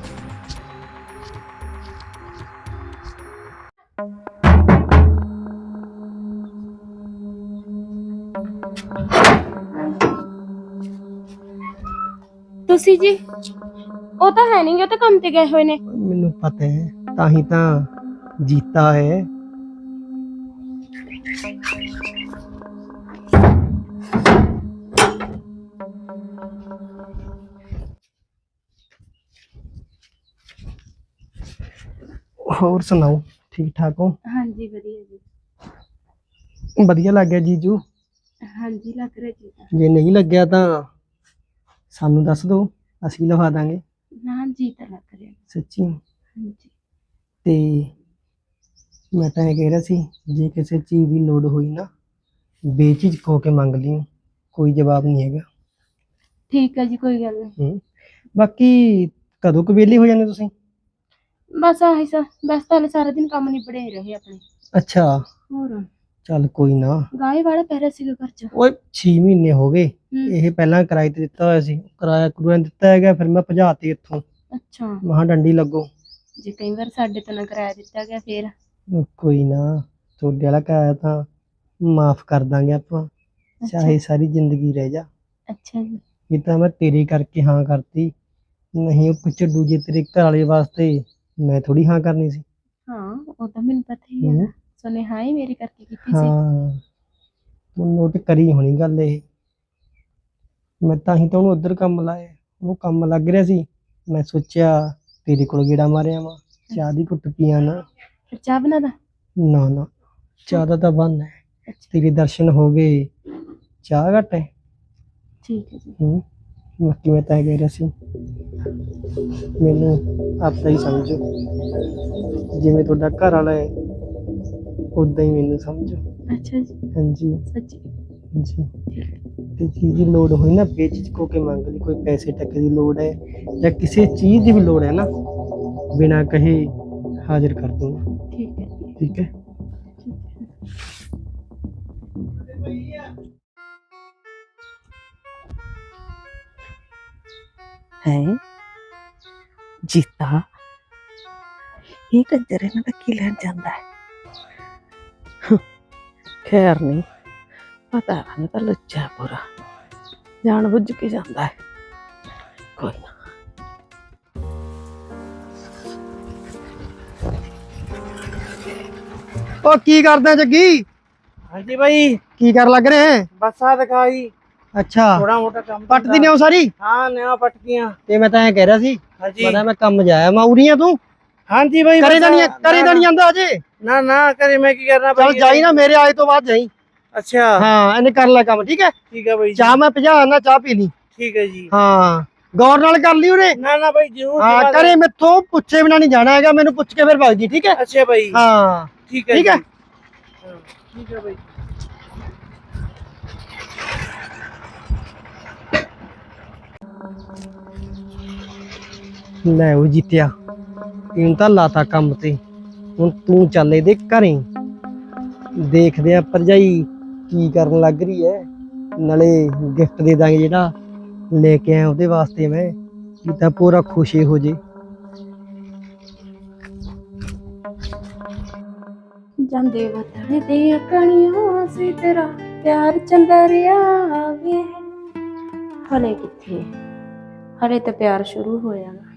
S3: ਤੁਸੀਂ ਜੀ? ਉਹ ਤਾਂ ਹੈ ਨਹੀਂ, ਉਹ ਤਾਂ ਕੰਮ ਤੇ ਗਏ ਹੋਏ ਨੇ।
S2: ਮੈਨੂੰ ਪਤਾ ਹੈ, ਤਾਂ ਹੀ ਤਾਂ ਜੀਤਾ ਹੈ। ਹੋਰ ਸੁਣਾਓ, ਠੀਕ ਠਾਕ ਹੋ?
S3: ਹਾਂਜੀ ਵਧੀਆ ਜੀ।
S2: ਵਧੀਆ ਲੱਗ ਗਿਆ ਜੀਜੂ?
S3: ਹਾਂਜੀ ਲੱਗ ਰਿਹਾ ਜੀ।
S2: ਜੇ ਨਹੀਂ ਲੱਗਿਆ ਤਾਂ ਸਾਨੂੰ ਦੱਸ ਦਿਓ, ਅਸੀਂ ਲਵਾ ਦਾਂਗੇ।
S3: ਨਾ ਜੀ ਤਾਂ ਲੱਗ ਰਿਹਾ।
S2: ਸੱਚੀ?
S3: ਹਾਂਜੀ।
S2: ਤੇ ਮੈਂ ਤਾਂ ਇਹ ਕਹਿ ਰਿਹਾ ਸੀ, ਜੇ ਕਿਸੇ ਚੀਜ਼ ਦੀ ਲੋੜ ਹੋਈ ਨਾ ਬੇਝਿਜਕ ਹੋ ਕੇ ਮੰਗ ਲਿਓ, ਕੋਈ ਜਵਾਬ ਨਹੀਂ ਹੈਗਾ।
S3: ਠੀਕ ਹੈ ਜੀ, ਕੋਈ ਗੱਲ ਨਹੀਂ।
S2: ਹੂੰ ਬਾਕੀ ਕਦੋਂ ਕੁ ਵਿਹਲੇ ਹੋ ਜਾਂਦੇ ਤੁਸੀਂ?
S3: ਬਸ ਆਹੀ ਸਾ ਬਸ ਤਾਂ ਸਾਰਾ ਦਿਨ ਕੰਮ ਨਿਬੜੇ ਹੀ ਰਹੇ ਆਪਣੇ।
S2: ਅੱਛਾ,
S3: ਹੋਰ
S2: ਚੱਲ ਕੋਈ ਨਾ।
S3: ਗਾਏ ਵਾਲਾ ਪੈ ਰਿਹਾ ਸੀਗਾ ਘਰ ਚ।
S2: ਓਏ ਛੇ ਮਹੀਨੇ ਹੋ ਗਏ,
S3: ਹੂੰ।
S2: ਇਹ ਪਹਿਲਾਂ ਕਿਰਾਏ ਤੇ ਦਿੱਤਾ ਹੋਇਆ ਸੀ, ਕਿਰਾਇਆ ਕਰੂਆ ਦਿੱਤਾ ਹੈਗਾ, ਫਿਰ ਮੈਂ ਭਜਾ ਤੀ ਇੱਥੋਂ।
S3: ਅੱਛਾ,
S2: ਮਹਾਂ ਡੰਡੀ ਲੱਗੋ।
S3: ਜੇ ਕਈ ਵਾਰ ਸਾਡੇ ਤੋਂ ਨਾ ਕਿਰਾਇਆ ਦਿੱਤਾ ਗਿਆ ਫੇਰ?
S2: ਉਹ ਕੋਈ ਨਾ, ਤੁਹਾਡੇ ਵਾਲਾ ਕਿਰਾਇਆ ਤਾਂ ਮਾਫ ਕਰ ਦਾਂਗੇ ਆਪਾਂ, ਚਾਹੇ ਸਾਰੀ ਜ਼ਿੰਦਗੀ ਰਹਿ ਜਾ।
S3: ਅੱਛਾ ਜੀ।
S2: ਇਹ ਤਾਂ ਮੈਂ ਤੇਰੇ ਕਰਕੇ ਹਾਂ ਕਰਤੀ, ਨਹੀਂ ਉਹ ਪਿੱਛੇ ਦੂਜੇ ਤੇਰੇ ਘਰ ਵਾਲੇ ਵਾਸਤੇ ਮੈਂ ਥੋੜੀ ਹਾਂ ਕਰਨੀ ਸੀ।
S3: ਹਾਂ ਉਹ ਤਾਂ ਮੈਨੂੰ ਪਤਾ ਹੀ
S2: ਹੂੰ।
S3: ਹੈ, ਸੁਨੇ ਹਾਂ ਹੀ ਮੇਰੇ ਕਰਕੇ ਕੀਤੀ ਸੀ।
S2: ਹਾਂ ਤੂੰ ਨੋਟ ਕਰੀ ਹੋਣੀ ਗੱਲ ਇਹ, ਮੈਂ ਤਾਂ ਹੀ ਤਾਂ ਉਹਨੂੰ ਉੱਧਰ ਕੰਮ ਲਾਇਆ, ਉਹ ਕੰਮ ਲੱਗ ਰਿਹਾ ਸੀ, ਮੈਂ ਸੋਚਿਆ ਤੇਰੇ ਕੋਲ ਗੇੜਾ ਮਾਰਿਆ ਵਾ, ਚਾਹ ਦੀ ਘੁੱਟ ਪੀਆਂ ਨਾ।
S3: ਫਿਰ ਚਾਹ ਬਣਾ ਦਾ?
S2: ਨਾ ਨਾ, ਚਾਹ ਦਾ ਤਾਂ ਬੰਨ ਹੈ,
S3: ਅੱਛਾ
S2: ਤੇਰੇ ਦਰਸ਼ਨ ਹੋ ਗਏ, ਚਾਹ ਘੱਟ ਹੈ।
S3: ਠੀਕ ਹੈ ਜੀ।
S2: ਹੂੰ ਬਾਕੀ ਮੈਂ ਤਾਂ ਇਹ ਕਹਿ ਰਿਹਾ ਸੀ, ਮੈਨੂੰ ਆਪਦਾ ਹੀ ਸਮਝੋ, ਜਿਵੇਂ ਤੁਹਾਡਾ ਘਰ ਵਾਲਾ ਹੈ ਉਦਾਂ ਹੀ ਮੈਨੂੰ ਸਮਝੋ।
S3: ਅੱਛਾ ਜੀ।
S2: ਹਾਂਜੀ
S3: ਸੱਚੀ?
S2: ਜੀ। ਤੇ ਚੀਜ਼ ਦੀ ਲੋੜ ਹੋਈ ਨਾ ਬੇਝਿਜਕ ਹੋ ਕੇ ਮੰਗ ਲਈ, ਕੋਈ ਪੈਸੇ ਟੱਕੇ ਦੀ ਲੋੜ ਹੈ ਜਾਂ ਕਿਸੇ ਚੀਜ਼ ਦੀ ਵੀ ਲੋੜ ਹੈ ਨਾ, ਬਿਨਾਂ ਕਹੇ ਹਾਜ਼ਰ ਕਰ ਦੂੰਗਾ।
S3: ਠੀਕ ਹੈ ਜੀ।
S2: ਠੀਕ ਹੈ?
S6: ਹੈ ਜੀਤਾ, ਇਹ ਕੰਜਰ ਇਹਨਾਂ ਦਾ ਕੀ ਲੈਣ ਜਾਂਦਾ ਹੈ? ਖੈਰ ਨਹੀਂ ਪਤਾ, ਨਹੀਂ ਤਾਂ ਲੁੱਚਾ ਪੂਰਾ ਜਾਣ ਬੁੱਝ ਕੇ ਜਾਂਦਾ ਹੈ। ਕੋਈ ਨਾ।
S2: ਉਹ ਕੀ ਕਰਦਾ ਜੱਗੀ?
S1: ਹਾਂਜੀ ਬਾਈ,
S2: ਕੀ ਕਰ ਲੱਗ ਰਹੇ ਹੈ?
S1: ਬਸ ਆ ਦਿਖਾਈ
S2: ਅੱਛਾ,
S1: ਥੋੜਾ ਮੋਟਾ ਕੰਮ
S2: ਪੱਟਦੀ ਨੇ ਉਹ ਸਾਰੀ?
S1: ਹਾਂ ਨਿਆ ਪਟਕੀਆਂ।
S2: ਤੇ ਮੈਂ ਤਾਂ ਐ ਕਹਿ ਰਿਹਾ ਸੀ,
S1: ਹਾਂਜੀ
S2: ਪਤਾ ਮੈਂ ਕੰਮ ਜਾਇਆ ਮਾਉਰੀ ਆ, ਤੂੰ
S1: ਹਾਂਜੀ ਬਾਈ।
S2: ਕਰੇ
S1: ਬਸ
S2: ਤਾਂ ਨਹੀਂ
S1: ਨਾ-
S2: ਕਰੇ ਤਾਂ ਨਹੀਂ ਜਾਂਦਾ ਅਜੇ?
S1: ਨਾ ਨਾ ਕਰੇ, ਮੈਂ ਕੀ ਕਰਨਾ
S2: ਚੱਲ ਜਾਈ ਨਾ, ਮੇਰੇ ਆਏ ਤੋਂ ਬਾਅਦ ਜਾਈ।
S1: ਅੱਛਾ
S2: ਹਾਂ ਇਹਨੇ ਕਰ ਲੈ ਕੰਮ, ਠੀਕ ਹੈ?
S1: ਠੀਕ ਹੈ ਬਾਈ।
S2: ਚਾਹ ਮੈਂ ਭਜਾ ਨਾ, ਚਾਹ ਪੀ ਲਈ।
S1: ਠੀਕ ਹੈ ਜੀ।
S2: ਹਾਂ ਗੌਰ ਨਾਲ ਕਰ ਲਈ ਉਹਨੇ।
S1: ਨਾ ਨਾ ਬਾਈ ਜ਼ਰੂਰ।
S2: ਹਾਂ ਕਰੇ, ਮੈਥੋਂ ਪੁੱਛੇ ਬਿਨਾ ਨਹੀਂ ਜਾਣਾ ਹੈਗਾ, ਮੈਨੂੰ ਪੁੱਛ ਕੇ ਫਿਰ ਭਗ ਜੀ, ਠੀਕ ਹੈ?
S1: ਅੱਛਾ ਬਾਈ।
S2: ਹਾਂ
S1: ਠੀਕ ਹੈ
S2: ਠੀਕ ਹੈ।
S1: ਜੀ। ਹਾਂ, ਠੀਕ ਹੈ ਬਾਈ।
S2: ਲੈ ਉਹ ਜਿੱਤਿਆ, ਤੈਨੂੰ ਤਾਂ ਲਾਤਾ ਕੰਮ ਤੇ, ਹੁਣ ਤੂੰ ਚੱਲ ਇਹਦੇ ਘਰੇ, ਦੇਖਦੇ ਆ ਭਰਜਾਈ ਕੀ ਕਰਨ ਲੱਗ ਰਹੀ ਹੈ, ਨਾਲੇ ਗਿਫਟ ਦੇ ਦਾਂਗੇ ਜਿਹੜਾ ਲੈ ਕੇ ਆਇਆ ਉਹਦੇ ਵਾਸਤੇ ਮੈਂ, ਕੀ ਤਾਂ ਪੂਰਾ ਖੁਸ਼ੀ ਹੋ ਜੇ।
S3: ਜਾਂਦੇ ਵਤਨ ਦੀਆਂ ਕਣੀਆਂ ਸੀ, ਤੇਰਾ ਪਿਆਰ ਚੰਦਰਿਆ ਵੇ। ਹਲੇ ਕਿੱਥੇ, ਹਲੇ ਤਾਂ ਪਿਆਰ ਸ਼ੁਰੂ ਹੋਇਆ ਵਾ।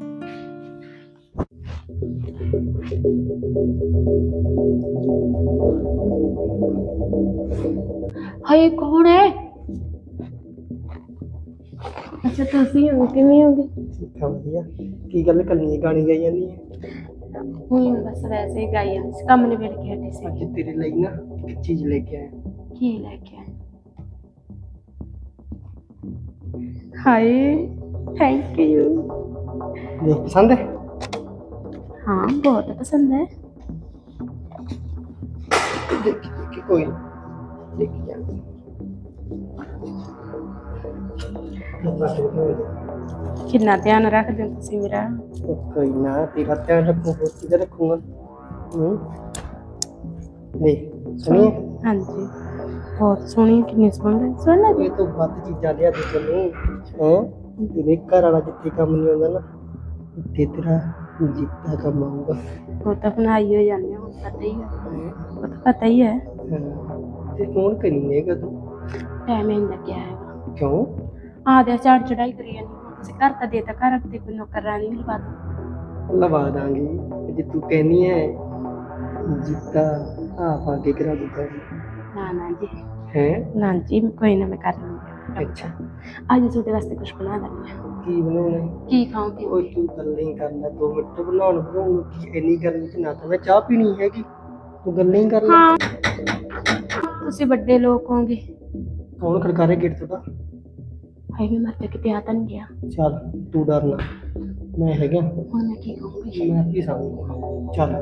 S3: ਹਾਏ ਕੌਣ ਹੈ? ਅੱਛਾ ਤੁਸੀਂ ਹੋ, ਕਿਵੇਂ ਹੋਗੇ?
S2: ਠੀਕ ਆ ਵਧੀਆ। ਕੀ ਗੱਲ ਕੱਲੀ ਗਾਣੀ ਗਾਈ ਜਾਂਦੀ ਹੈ?
S3: ਹੁਣ ਬਸ ਵੈਸੇ ਹੀ ਗਾਈ ਜਾਂਦੀ ਸੀ, ਕੰਮ ਨਿਬੜ ਕੇ ਹਟੀ ਸੀ।
S2: ਅੱਜ ਤੇਰੇ ਲਈ ਨਾ ਇੱਕ ਚੀਜ਼ ਲੈ ਕੇ ਆਇਆ।
S3: ਕੀ ਲੈ ਕੇ ਆਏ? ਹਾਏ थैंक यू।
S2: देख पसंद है?
S3: हाँ बहुत पसंद है।
S2: देखी देखी कोई नहीं, देखी जाएगी।
S3: कितना ध्यान रखते हो तुसी मेरा।
S2: तो कोई ना, तेरा ध्यान रखूँ, बहुत चीज़ें रखूँगा। हम्म, देख सुनिए,
S3: हाँ जी बहुत सोहनी, कितनी सोहनी सोहना
S2: ये तो बात चीज़ां लिया दे तैनूं हैं। तेरे घर वाला जिथे काम नहीं होंदा ना, उत्थे तेरा जीता काम आऊगा।
S3: वो तो बनाई हो जाने हो, पता ही है, वो तो पता ही है।
S2: ते फोन करिएगा तू?
S3: टाइम ही नहीं क्या है
S2: क्यों?
S3: आधे चढ़ चढ़ाई करी जानी तुसी घर तो देता घर ते कोई नौकरानी नहीं लगा दो।
S2: लवा दांगी जे तू कहनी है जीता आप आगे करा दूंगा
S3: ना ना जी,
S2: हैं।
S3: ना जी कोई ना, मैं कर लूंगी।
S2: अच्छा
S3: आज छोटे वास्ते कुछ बना देनी है।
S2: की बनाना है?
S3: की खाओगे?
S2: ओए तू गल्लें ही कर ले, दो मिनट बनाउण बनाऊंगा की इन्नी गर्मी च ना तो मैं चाह पीनी हैगी, तू गल्लें ही कर ले।
S3: हाँ तुसी बड़े लोग होंगे।
S2: कौन खड़का रहा गेट तोड़ा?
S3: हाय मैं मर के ते आता नहीं गया।
S2: चल तू डर ना, मैं है क्या,
S3: हुण मैं की कहूंगी?
S2: मैं आपकी सामने चल।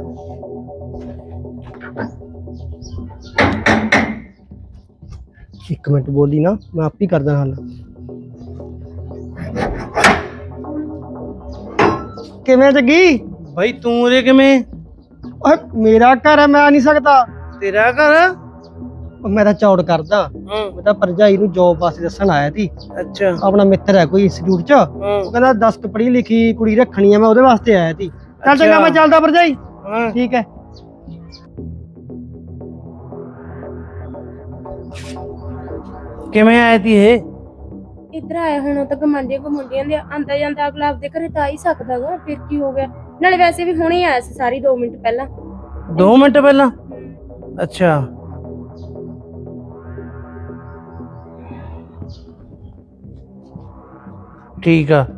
S2: एक मिनट बोली ना, मैं आप ही कर दा हल। किवें जगी?
S1: भाई तू उरे किवें?
S2: ओए मेरा घर है, मैं आ नहीं सकता।
S1: तेरा घर?
S2: ਉਹ ਮੈਂ ਤਾਂ ਚੌੜ ਕਰਦਾ। ਮੈਂ ਤਾਂ ਭਰਜਾਈ ਨੂੰ ਜੋਬ ਵਾਸਤੇ ਦੱਸਣ ਆਇਆ ਸੀ।
S1: ਅੱਛਾ
S2: ਆਪਣਾ ਮਿੱਤਰ ਹੈ ਕੋਈ ਇੰਸਟੀਚਿਊਟ 'ਚ, ਉਹ ਕਹਿੰਦਾ ਦਸ ਕੁ ਪੜ੍ਹੀ ਲਿਖੀ ਕੁੜੀ ਰੱਖਣੀ ਆ, ਮੈਂ ਉਹਦੇ ਵਾਸਤੇ ਆਇਆ ਸੀ। ਚੱਲ ਚੰਗਾ ਮੈਂ ਚੱਲਦਾ ਭਰਜਾਈ।
S1: ਹਾਂ
S2: ਠੀਕ ਹੈ।
S1: ਕਿਵੇਂ ਆਈ ਤੀ ਇਹ?
S3: ਇੱਧਰ ਆਇਆ ਹੁਣ ਤਾਂ ਗਮੰਡੀਆਂ ਗਮੰਡੀਆਂ ਦੇ ਆਂਦਾ ਜਾਂਦਾ ਅਗਲਾ ਆਪਦੇ ਘਰੇ ਤਾਂ ਆ ਹੀ ਸਕਦਾਗਾ, ਫਿਰ ਕੀ ਹੋ ਗਿਆ। ਨਾਲੇ ਵੈਸੇ ਵੀ ਹੁਣੇ ਆਇਆ ਸੀ ਸਾਰੀ ਦੋ ਮਿੰਟ ਪਹਿਲਾਂ।
S1: ਦੋ ਮਿੰਟ ਪਹਿਲਾਂ? ਅੱਛਾ ਠੀਕ ਆ।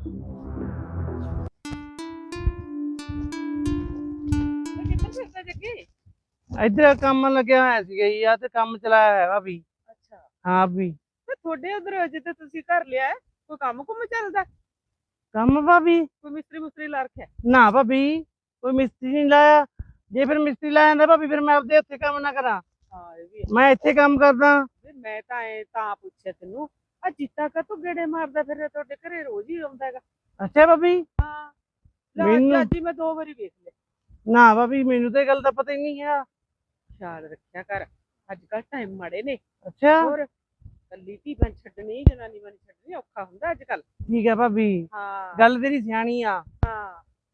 S1: ਇੱਧਰ ਕੰਮ ਲੱਗਿਆ ਹੋਇਆ ਸੀਗਾ ਜੀ, ਆ ਤੇ ਕੰਮ ਚਲਾਇਆ ਹੈ ਭਾਬੀ।
S6: ਅੱਛਾ
S1: ਹਾਂ ਵੀ
S6: ਤੇ ਤੁਹਾਡੇ ਉਧਰ ਜਿੱਥੇ ਤੁਸੀਂ ਘਰ ਲਿਆ ਹੈ, ਕੋਈ ਕੰਮ ਕੁਮ ਚੱਲਦਾ?
S1: ਕੰਮ ਭਾਬੀ?
S6: ਕੋਈ ਮਿਸਤਰੀ ਮੁਸਤਰੀ ਲਾ ਰੱਖਿਆ?
S1: ਨਾ ਭਾਬੀ ਕੋਈ ਮਿਸਤਰੀ ਨਹੀਂ ਲਾਇਆ। ਜੇ ਫਿਰ ਮਿਸਤਰੀ ਲਾਇਆ ਜਾਂਦਾ ਭਾਬੀ ਫਿਰ ਮੈਂ ਆਪਦੇ ਉੱਥੇ ਕੰਮ ਨਾ ਕਰਾਂ।
S6: ਹਾਂ ਇਹ ਵੀ ਹੈ।
S1: ਮੈਂ ਇੱਥੇ ਕੰਮ ਕਰਦਾ।
S6: ਵੀ ਮੈਂ ਤਾਂ ਐ ਤਾਂ ਪੁੱਛਿਆ ਤੈਨੂੰ, ਆ ਜੀਤਾ ਕਾ ਤੂੰ ਗੇੜੇ ਮਾਰਦਾ ਫਿਰ ਤੁਹਾਡੇ ਘਰੇ ਰੋਜ਼ ਹੀ ਆਉਂਦਾ ਹੈਗਾ?
S1: ਅੱਛਾ ਭਾਬੀ
S6: ਹਾਂ ਲੈ
S1: ਮੈਨੂੰ-
S6: ਅੱਜ ਹੀ ਮੈਂ ਦੋ ਵਾਰੀ ਵੇਖ ਲਿਆ।
S1: ਨਾ ਭਾਬੀ ਮੈਨੂੰ ਤਾਂ ਇਹ ਗੱਲ ਦਾ ਪਤਾ ਹੀ ਨਹੀਂ ਹੈ।
S6: ਖਿਆਲ ਰੱਖਿਆ ਕਰ, ਅੱਜ ਕੱਲ ਟਾਈਮ ਮਾੜੇ ਨੇ।
S1: ਅੱਛਾ
S6: ਹੋਰ ਕੱਲੀ ਧੀ ਬਣ ਛੱਡਣੀ, ਜਨਾਨੀ ਬਣ ਛੱਡਣੀ ਔਖਾ ਹੁੰਦਾ ਅੱਜ ਕੱਲ।
S1: ਠੀਕ ਹੈ ਭਾਬੀ,
S6: ਹਾਂ
S1: ਗੱਲ ਤੇਰੀ ਸਿਆਣੀ ਆ।
S6: ਹਾਂ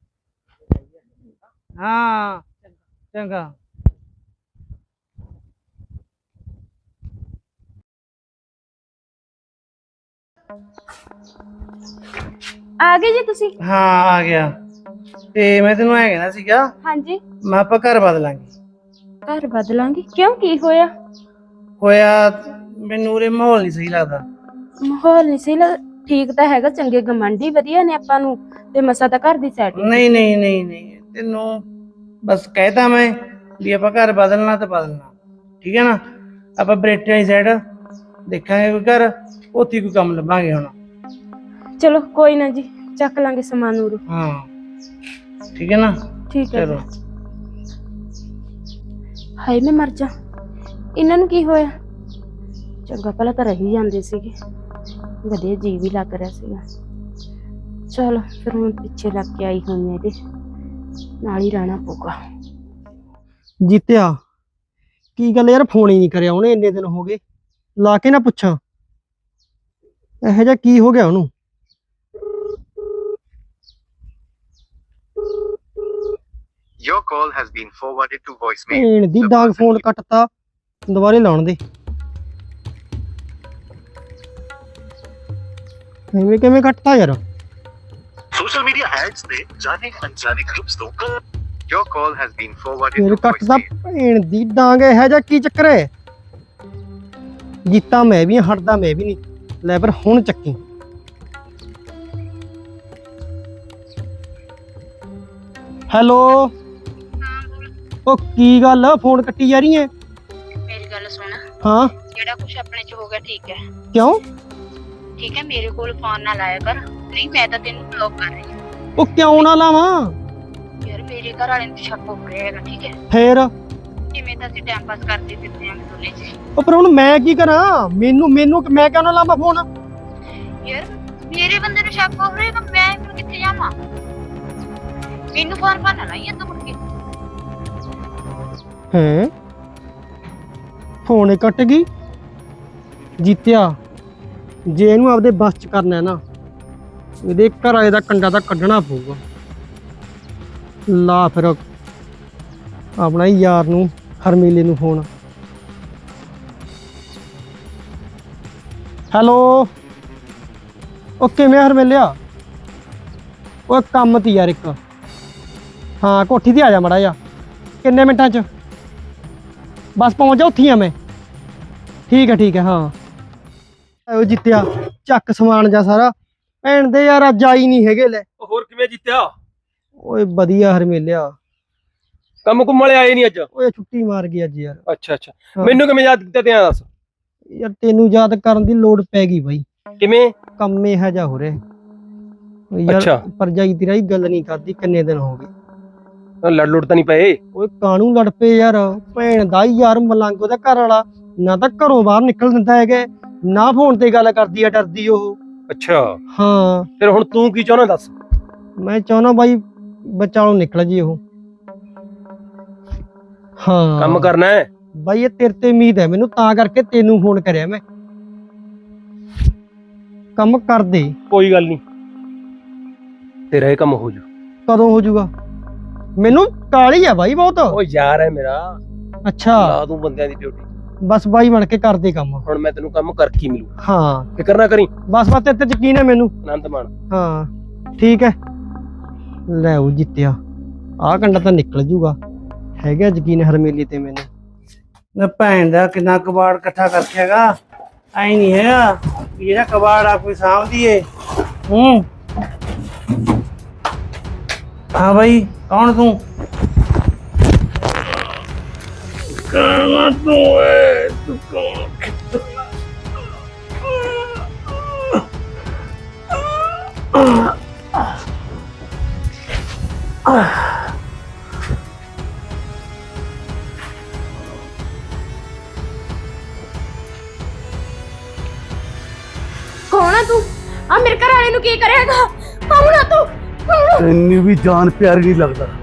S1: ਹਾਂ ਚੰਗਾ।
S3: ਆ ਗਏ ਜੀ ਤੁਸੀਂ?
S1: ਹਾਂ ਆ ਗਿਆ। ਤੇ ਮੈਂ ਤੈਨੂੰ ਐ ਕਹਿਣਾ ਸੀਗਾ,
S3: ਹਾਂਜੀ
S1: ਮੈਂ ਆਪਾਂ ਘਰ ਬਦਲਾਂਗੇ।
S3: ਘਰ ਬਦਲਾਂਗੇ? ਕਿਉਂ ਕੀ ਹੋਇਆ?
S1: ਹੋਇਆ ਮੈਨੂੰ ਉਰੇ ਮਾਹੌਲ ਨਹੀਂ ਸਹੀ ਲੱਗਦਾ।
S3: ਮਾਹੌਲ ਨਹੀਂ ਸਹੀ ਲੱਗ? ਠੀਕ ਤਾਂ ਹੈਗਾ, ਚੰਗੇ ਗਮੰਡੀ ਵਧੀਆ ਨੇ ਆਪਾਂ ਨੂੰ, ਤੇ ਮਸਾ ਤਾਂ ਘਰ ਦੀ ਸੈਟਿੰਗ।
S1: ਨਹੀਂ ਨਹੀਂ ਨਹੀਂ ਨਹੀਂ ਤੈਨੂੰ ਬਸ ਕਹਿਤਾ ਮੈਂ ਵੀ ਆਪਾਂ ਘਰ ਬਦਲਣਾ ਤਾਂ ਬਦਲਣਾ, ਠੀਕ ਹੈ ਨਾ। ਆਪਾਂ ਬਰੇਟੇ ਵਾਲੀ ਸਾਈਡ ਦੇਖਾਂਗੇ ਕੋਈ ਘਰ, ਉੱਥੇ ਕੋਈ ਕੰਮ ਲੱਭਾਂਗੇ ਹੁਣ।
S3: ਚਲੋ ਕੋਈ ਨਾ ਜੀ, ਚੱਕ ਲਾਂਗੇ ਸਮਾਨ ਨੂੰ।
S1: ਹਾਂ ਠੀਕ ਹੈ ਨਾ।
S3: ਠੀਕ ਹੈ।
S1: ਚਲੋ
S3: ਹਾਏ ਮੈਂ ਮਰ ਜਾ, ਇਹਨਾਂ ਨੂੰ ਕੀ ਹੋਇਆ? ਚੰਗਾ ਭਲਾ ਤਾਂ ਰਹੀ ਜਾਂਦੇ ਸੀਗੇ, ਵਧੀਆ ਜੀ ਵੀ ਲੱਗ ਰਿਹਾ ਸੀਗਾ। ਚਲੋ ਫਿਰ ਹੁਣ ਪਿੱਛੇ ਲੱਗ ਕੇ ਆਈ ਹੋਈ ਇਹਦੇ ਨਾਲ ਹੀ ਰਹਿਣਾ ਪਊਗਾ।
S2: ਜੀਤਿਆ ਕੀ ਗੱਲ ਯਾਰ, ਫੋਨ ਹੀ ਨਹੀਂ ਕਰਿਆ ਉਹਨੇ, ਇੰਨੇ ਦਿਨ ਹੋ ਗਏ। ਲਾ ਕੇ ਨਾ ਪੁੱਛਾਂ ਇਹੋ ਜਿਹਾ ਕੀ ਹੋ ਗਿਆ ਉਹਨੂੰ।
S7: Your call has been forwarded to voicemail.
S2: ਭੈਣ ਦੀ ਡਾਂਗ, ਫੋਨ ਕੱਟਤਾ, ਦੁਬਾਰੇ ਲਾਉਣ ਦੇ। ਐਵੇਂ ਕਿਵੇਂ ਕੱਟਤਾ ਯਾਰ?
S7: Social media ads ਨੇ ਜਾਣੇ ਅਣਜਾਣੇ groups ਤੋਂ Your call has been forwarded
S2: ਫਿਰ
S7: to
S2: ਕੱਟਦਾ
S7: voicemail.
S2: ਭੈਣ ਦੀ ਡਾਂਗ, ਇਹੋ ਜਿਹਾ ਕੀ ਚੱਕਰ ਹੈ? ਜੀਤਾ ਮੈਂ ਵੀ ਹਾਂ, ਹਟਦਾ ਮੈਂ ਵੀ ਨਹੀਂ। ਲੈ ਪਰ ਹੁਣ ਚੱਕੀ। ਹੈਲੋ, ਉਹ ਕੀ ਗੱਲ ਫੋਨ ਕੱਟੀ ਜਾ ਰਹੀ ਹੈ?
S4: ਮੇਰੀ ਗੱਲ ਸੁਣ,
S2: ਹਾਂ
S4: ਜਿਹੜਾ ਕੁਝ ਆਪਣੇ ਚ ਹੋ ਗਿਆ ਠੀਕ ਹੈ,
S2: ਕਿਉਂ?
S4: ਠੀਕ ਹੈ, ਮੇਰੇ ਕੋਲ ਫੋਨ ਨਾ ਲਾਇਆ ਕਰ। ਨਹੀਂ ਮੈਂ ਤਾਂ ਤੈਨੂੰ ਬਲੌਕ ਕਰ ਰਹੀ ਹਾਂ।
S2: ਉਹ ਕਿਉਂ ਨਾ ਲਾਵਾਂ?
S4: ਯਾਰ ਮੇਰੇ ਘਰ ਵਾਲੇ ਨੂੰ ਸ਼ੱਕ ਹੋ ਰਿਹਾ ਹੈਗਾ, ਠੀਕ ਹੈ?
S2: ਫੇਰ
S4: ਜਿਵੇਂ ਤਾਂ ਅਸੀਂ ਟਾਈਮ ਪਾਸ ਕਰਦੇ ਫਿਰਦੇ ਆਂ ਦੋਨੇ ਜੀ।
S2: ਉਹ ਪਰ ਹੁਣ ਮੈਂ ਕੀ ਕਰਾਂ? ਮੈਨੂੰ ਮੈਨੂੰ ਮੈਂ ਕਿਉਂ ਨਾ ਲਾਵਾਂ ਫੋਨ?
S4: ਯਾਰ ਮੇਰੇ ਬੰਦੇ ਨੂੰ ਸ਼ੱਕ ਹੋ ਰਿਹਾ, ਮੈਂ ਫਿਰ ਕਿੱਥੇ ਜਾਵਾਂ? ਮੈਨੂੰ ਫੋਨ ਫਾਨ ਨਾ ਲਾਈਏ ਤੂੰ ਮੁੜ ਕੇ।
S2: ਹੈ ਫੋਨ ਹੀ ਕੱਟ ਗਈ। ਜੀਤਿਆ, ਜੇ ਇਹਨੂੰ ਆਪਦੇ ਬਸ ਚ ਕਰਨਾ ਹੈ ਨਾ, ਇਹਦੇ ਘਰ ਵਾਲੇ ਦਾ ਕੰਡਾ ਤਾਂ ਕੱਢਣਾ ਪਊਗਾ। ਲਾ ਫਿਰ ਆਪਣਾ ਹੀ ਯਾਰ ਨੂੰ, ਹਰਮੀਲੇ ਨੂੰ ਫੋਨ। ਹੈਲੋ, ਉਹ ਕਿਵੇਂ ਹਰਮੀਲਿਆ? ਉਹ ਕੰਮ ਤੀ ਯਾਰ ਇੱਕ। ਹਾਂ ਕੋਠੀ ਤੇ ਆ ਜਾ ਮੜਾ ਜਾ। ਕਿੰਨੇ ਮਿੰਟਾਂ ਚ? ਬਸ ਪਹੁੰਚ ਜਾ, ਉੱਥੇ ਹੀ ਆ ਮੈਂ। ਠੀਕ ਹੈ ਠੀਕ ਹੈ। ਹਾਂ ਉਹ ਜਿੱਤਿਆ, ਚੱਕ ਸਮਾਨ ਜਾ ਸਾਰਾ। ਭੈਣ ਦੇ ਯਾਰ ਅੱਜ ਆਈ ਨਹੀਂ ਹੈਗੇ। ਲੈ
S8: ਹੋਰ ਕਿਵੇਂ ਜਿੱਤਿਆ?
S2: ਓਏ ਵਧੀਆ ਹਰਮੇਲਿਆ।
S8: ਕੰਮ ਕੁੰਮ ਵਾਲੇ ਆਏ ਨਹੀਂ ਅੱਜ?
S2: ਓਏ ਛੁੱਟੀ ਮਾਰ ਗਈ ਅੱਜ ਯਾਰ।
S8: ਅੱਛਾ ਅੱਛਾ, ਮੈਨੂੰ ਕਿਵੇਂ ਯਾਦ ਕੀਤਾ ਤੇ ਆ ਦੱਸ।
S2: ਯਾਰ ਤੈਨੂੰ ਯਾਦ ਕਰਨ ਦੀ ਲੋੜ ਪੈ ਗਈ ਬਾਈ।
S8: ਕਿਵੇਂ?
S2: ਕੰਮ ਇਹੋ ਜਿਹਾ ਹੋ ਰਿਹਾ
S8: ਅੱਛਾ।
S2: ਯਾਰ। ਭਰਜਾਈ ਤੇਰਾ ਹੀ ਗੱਲ ਨਹੀਂ ਕਰਦੀ, ਕਿੰਨੇ ਦਿਨ ਹੋ ਗਏ।
S8: ਲੜ ਲੁੜ ਤਾਂ ਨਹੀਂ ਪਏ?
S2: ਓਏ ਕਾਹਨੂੰ ਲੜ ਪਏ ਯਾਰ? ਭੈਣ ਦਾ ਹੀ ਯਾਰ ਮਲੰਗ ਉਹਦਾ ਘਰ ਵਾਲਾ, ਨਾ ਤਾਂ ਘਰੋਂ ਬਾਹਰ ਨਿਕਲ ਦਿੰਦਾ ਹੈਗਾ, ਨਾ ਫੋਨ ਤੇ ਗੱਲ ਕਰਦੀ ਆ, ਡਰਦੀ ਉਹ।
S8: ਅੱਛਾ
S2: ਹਾਂ
S8: ਫਿਰ ਹੁਣ ਤੂੰ ਕੀ ਚਾਹੁੰਦਾ ਦੱਸ?
S2: ਮੈਂ ਚਾਹੁੰਦਾ ਬਾਈ ਬਚਾਲੋਂ ਨਿਕਲ ਜੀ ਉਹ। ਹਾਂ
S8: ਕੰਮ ਕਰਨਾ ਹੈ
S2: ਬਾਈ, ਇਹ ਤੇਰੇ ਤੇ ਉਮੀਦ ਹੈ ਮੈਨੂੰ, ਤਾਂ ਕਰਕੇ ਤੈਨੂੰ ਫੋਨ ਕਰਿਆ ਮੈਂ। ਕੰਮ ਕਰ ਦੇ।
S8: ਕੋਈ ਗੱਲ ਨਹੀਂ, ਤੇਰਾ ਇਹ ਕੰਮ ਹੋ ਜੂ।
S2: ਕਦੋਂ ਹੋ ਜਾਊਗਾ? ਮੈਨੂੰ ਕਾਹਲੀ ਆ ਬਾਈ ਬਹੁਤ।
S8: ਉਹ ਯਾਰ ਹੈ ਮੇਰਾ,
S2: ਅੱਛਾ
S8: ਲਾ ਦੂੰ ਬੰਦਿਆਂ ਦੀ ਡਿਊਟੀ।
S2: ਬਸ ਬਾਈ ਬਣ ਕੇ ਕਰ ਦੇ ਕੰਮ।
S8: ਹੁਣ ਮੈਂ ਤੈਨੂੰ ਕੰਮ ਕਰਕੇ ਹੀ ਮਿਲੂ,
S2: ਹਾਂ
S8: ਫਿਕਰ ਨਾ ਕਰੀ।
S2: ਬਸ ਬਸ ਤੇਰੇ ਤੇ ਯਕੀਨ ਹੈ ਮੈਨੂੰ।
S8: ਆਨੰਦ ਮਾਣ।
S2: ਹਾਂ ਠੀਕ ਹੈ। ਲੈ ਉਹ ਜਿੱਤਿਆ, ਆਹ ਕੰਡਾ ਤਾਂ ਨਿਕਲ ਜੂਗਾ। ਹੈਗਾ ਯਕੀਨ ਹਰਮੇਲੀ ਤੇ ਮੈਨੂੰ।
S1: ਨਾ ਭੈਣ ਦਾ ਕਿੰਨਾ ਕਬਾੜ ਇਕੱਠਾ ਕਰਕੇ ਹੈਗਾ। ਐ ਨਹੀਂ ਹੈਗਾ ਵੀ ਜਿਹੜਾ ਕਬਾੜ ਆ ਕੋਈ ਸਾਂਭਦੀ ਏ। ਹੂੰ ਹਾਂ ਬਾਈ, ਕੌਣ ਤੂੰ? ਕੌਣ ਤੂੰ ਏ? ਤੂੰ ਕੌਣ?
S3: ਕੌਣ ਆ ਤੂੰ? ਆ ਮੇਰੇ ਘਰ ਵਾਲੇ ਨੂੰ ਕੀ ਕਰੇਗਾ? ਕੌਣ ਆ ਤੂੰ? ਕੌਣ ਆ?
S1: ਤੈਨੂੰ ਵੀ ਜਾਨ ਪਿਆਰੀ ਨਹੀਂ ਲੱਗਦਾ।